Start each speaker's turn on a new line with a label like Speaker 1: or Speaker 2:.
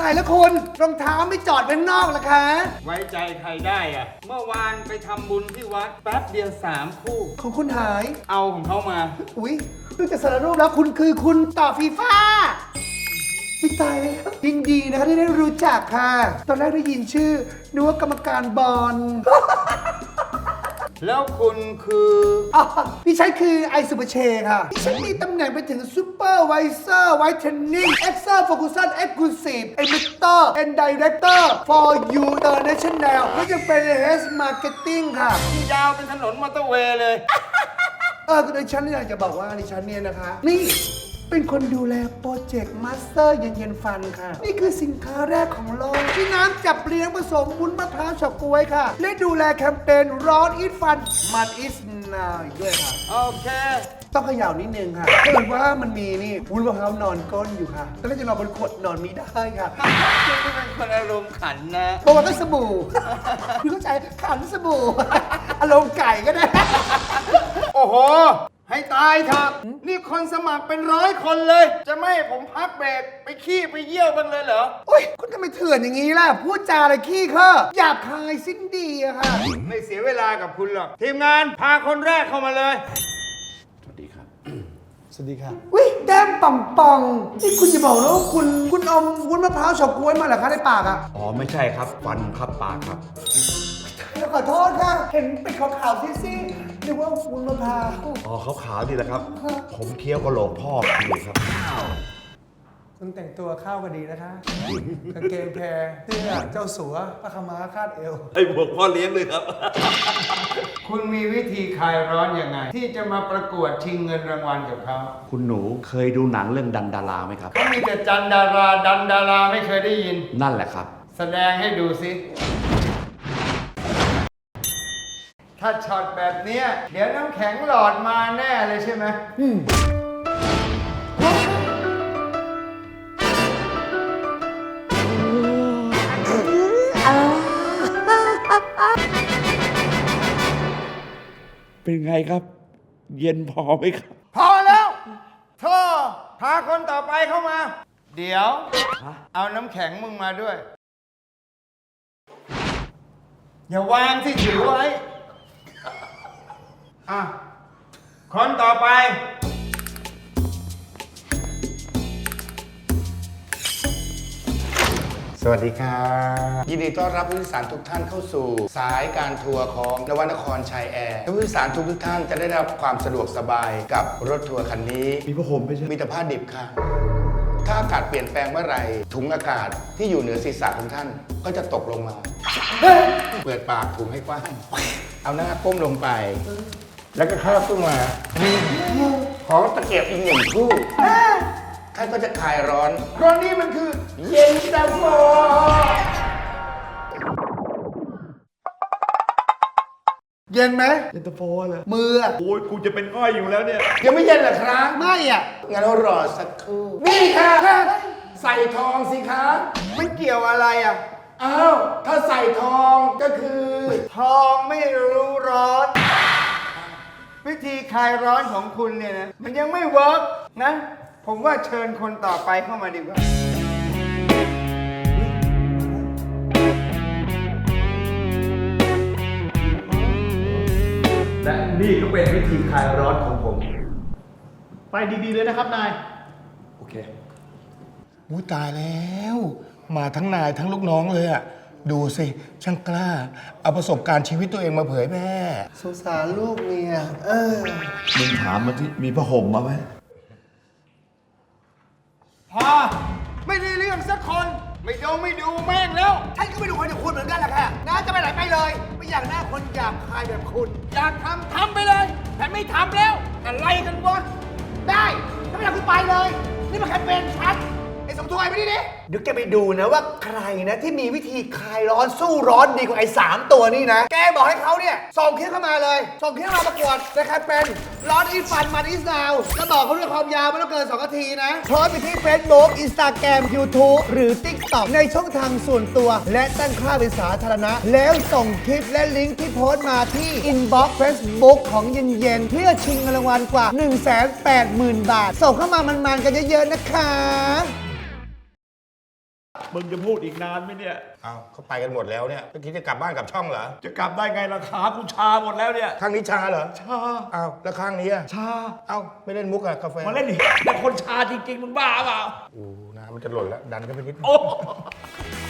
Speaker 1: ายแล้วคุณรองเท้าไม่จอดไว้ข้างนอกเหรอคะ
Speaker 2: ไว้ใจใครได้อะเมื่อวานไปทำบุญที่วัดแป๊บเดียว3 คู่
Speaker 1: ของคุณหาย
Speaker 2: เอาของเขามา
Speaker 1: อุ๊ยดูจากสารรูปแล้วคุณคือคุณต่อฟีฟ่าไม่ตายเลยครับยินดีนะคะที่ได้รู้จักค่ะ ตอนแรกได้ยินชื่อนึกว่ากรรมการบอล
Speaker 2: แล้วคุณคือ
Speaker 1: อ๋อพี่ชัยคือไอซูเปอร์เชค่ะพี่ชัยมีตำแหน่งไปถึงซูเปอร์ไวเซอร์ไวท์เทนนิ่งเอ็กเซอร์โฟกัสเอ็กซ์คลูซีฟเอมิเตอร์เอ็นไดเรคเตอร์ for you international และยังเป็น head marketing ค่ะ
Speaker 2: ที่ยาวเป็นถนนมอเตอร์เวย์เลย
Speaker 1: ก็ดิฉันอยากจะบอกว่าดิฉันเนี่ยนะคะ นี่เป็นคนดูแลโปรเจกต์มาสเตอร์เย็นฟันค่ะ นี่คือสินค้าแรกของโลกที่น้ำจับเลี้ยงผสมวุ้นมะพร้าวเฉาก๊วยค่ะ และดูแลแคมเปญร้อนอีทฟันมันอิสนาวอีกด้วยค่ะ
Speaker 2: โอเค
Speaker 1: ต้องเขย่านิดนึงค่ะเพราะว่ามันมีนี่วุ้นมะพร้าวนอนก้นอยู่ค่ะแล้วจะนอนบนขวดนอนไม่ได้ค่ะ
Speaker 2: คุณเป็นคนอารมณ์ขันนะ
Speaker 1: เพราะว่าก็สบู่ คุณเข้าใจขันสบู่ อารมณ์ไก่ก็ได้
Speaker 2: โอ้โห ให้ตายเถอะนี่คนสมัครเป็น100 คนเลย จะไม่ให้ผมพักเบรกไปขี้ไปเยี่ยวกันเลยเหรอ
Speaker 1: โอ๊ยคุณทำไมเถื่อนอย่างนี้ล่ะ พูดจาอะไรขี้ข้อหยาบคายสิ้นดีอะค่ะ
Speaker 2: ไม่เสียเวลากับคุณหรอก ทีมงานพาคนแรกเข้ามาเลย
Speaker 3: สวัสดีครับ
Speaker 1: สวัสดีค่ะวิแก้มป่องป่องนี่คุณจะบอกนะว่าคุณอมวุ้นมะพร้าวเฉาก๊วยมาเหรอคะในปากอะ
Speaker 3: อ๋อไม่ใช่ครับฟันครับปากครับ
Speaker 1: ขอโทษค่ะ เห็นเป็นขาวๆซีดๆนึกว่าวุ้นมะพร้าว
Speaker 3: อ๋อขาวๆดีแหละครับ ผมเคี้ยวกระโหลกพ่ออยู่ครับ
Speaker 1: คุณแต่งตัวเข้ากันดีนะคะกางเกงแพรเสื้อเจ้าสัวผ้าขาวม้าคาดเอว
Speaker 3: ไอ้บวกพ่อเลี้ยงเลยครับ
Speaker 2: คุณมีวิธีคลายร้อนยังไง ที่จะมาประกวดชิงเงินรางวัลกับเขา
Speaker 3: คุณหนูเคยดูหนังเรื่องดันดาราไหมครับ
Speaker 2: เขามีแต่จันดาราดันดาราไม่เคยได้ยิน
Speaker 3: นั่นแหละครับ
Speaker 2: แสดงให้ดูสิ ถ้าช็อตแบบเนี้ยเดี๋ยวน้ำแข็งหลอดมาแน่เลยใช่ไหม
Speaker 3: เป็นไงครับ เย็นพอไหมครับ
Speaker 2: พอแล้วโธ่พาคนต่อไปเข้ามา เดี๋ยว เอาน้ำแข็งมึงมาด้วย อย่าวางที่ถือไว้ อ่ะ คนต่อไป
Speaker 4: สวัสดีครับยินดีต้อนรับผู้โดยสารทุกท่านเข้าสู่ สายการทัวร์ของนวนครชัยแอร์ผู้โดยสารทุกท่านจะได้รับความสะดวกสบายกับรถทัวร์คันนี้
Speaker 3: มีผ้าห่มไหมใช่
Speaker 4: มีแต่ผ้าดิบค่ะ ถ้าอากาศเปลี่ยนแปลงเมื่อไหร่ถุงอากาศที่อยู่เหนือศีรษะของท่านก็จะตกลงมา เปิดปากถุงให้กว้าง เอาหน้าก้มลงไป แล้วก็คาบขึ้นมาขอตะเกียบอีก1 คู่ท่านก็จะคลายร้อนเพราะนี่มันคือเย็นตาโฟ
Speaker 1: เย็นไหม
Speaker 3: เย็นตาโฟเลย
Speaker 1: มืออะ
Speaker 3: โอ้ยกูจะเป็นง่อยอยู่แล้วเนี่ย
Speaker 4: ยังไม่เย็นเหรอครับ
Speaker 1: ไม่อะ
Speaker 4: งั้นเรารอสักครู่ นี่ค่ะ ใส่ทองสิคะ
Speaker 2: มันเกี่ยวอะไรอ่ะ
Speaker 4: อ้าว ถ้าใส่ทองก็คือ
Speaker 2: ทองไม่รู้ร้อน วิธีคลายร้อนของคุณเนี่ยนะ มันยังไม่เวิร์กนะ ผมว่าเชิญคนต่อไปเข้ามาดีกว่า
Speaker 3: และนี่ก็เป็นวิธีคลายร้อนของผม
Speaker 5: ไปดีๆเลยนะครับนาย
Speaker 3: โอเค
Speaker 4: อุ้ยตายแล้ว มาทั้งนายทั้งลูกน้องเลยอะดูสิ ช่างกล้า เอาประสบการณ์ชีวิตตัวเองมาเผยแพร่
Speaker 1: สงสารลูกเมีย
Speaker 3: มึงถามมาที่มีผ้าห่มมาไหม
Speaker 2: พอ ไม่ได้เรื่องสักคน ไม่ดูแม่งแล้ว
Speaker 1: ฉันก็ไม่ดูคนอย่างคุณเหมือนกันแหละค่ะน้าจะไปไหนไปเลย ไม่อยากหน้าคนหยาบคายแบบคุณ
Speaker 2: อยากทำไปเลย แต่ไม่ทำแล้ว อะไรกันวะ
Speaker 1: ได้ถ้าไม่อยากคุณไปเลย นี่มันแคมเปญฉันไอ้สมทวยไปดิเดี๋ยวแกไปดูนะว่าใครนะที่มีวิธีคลายร้อนสู้ร้อนดีกว่าไอ้3 ตัวนี่นะ แกบอกให้เขาเนี่ยส่งคลิปเข้ามาเลย ส่งคลิปเข้ามาประกวดในแคมเปญร้อนอีฟันมันอีสนาวแล้วบอกเขาด้วยความยาวไม่ต้องเกิน2 นาทีนะโพสต์ไปที่ Facebook Instagram YouTube หรือ TikTok ในช่องทางส่วนตัว และตั้งค่าเป็นสาธารณะ แล้วส่งคลิปและลิงก์ที่โพสต์มาที่ Inbox Facebook ของเย็นๆเพื่อชิงเงินรางวัลกว่า 180,000 บาท ส่งเข้ามามันๆกันเยอะๆนะคะ
Speaker 3: มึงจะพูดอีกนานไหมเนี่ย
Speaker 4: เอาเขาไปกันหมดแล้วเนี่ยเมื่อกี้จะกลับบ้านกลับช่องเหรอ
Speaker 3: จะกลับได้ไงล่ะขากูชาหมดแล้วเนี่ย
Speaker 4: ข้างนี้ชาเหรอ
Speaker 3: ชา
Speaker 4: เอาแล้วข้างนี้อะ
Speaker 3: ชา
Speaker 4: เอาไม่เล่นมุกอะกาแฟ
Speaker 3: มาเล่นดิแต่คนชาจริงๆมึงบ้าเปล่า
Speaker 4: โอ้น้ำมันจะหล่นแล้วดันขึ้นไปนิด
Speaker 3: โอ้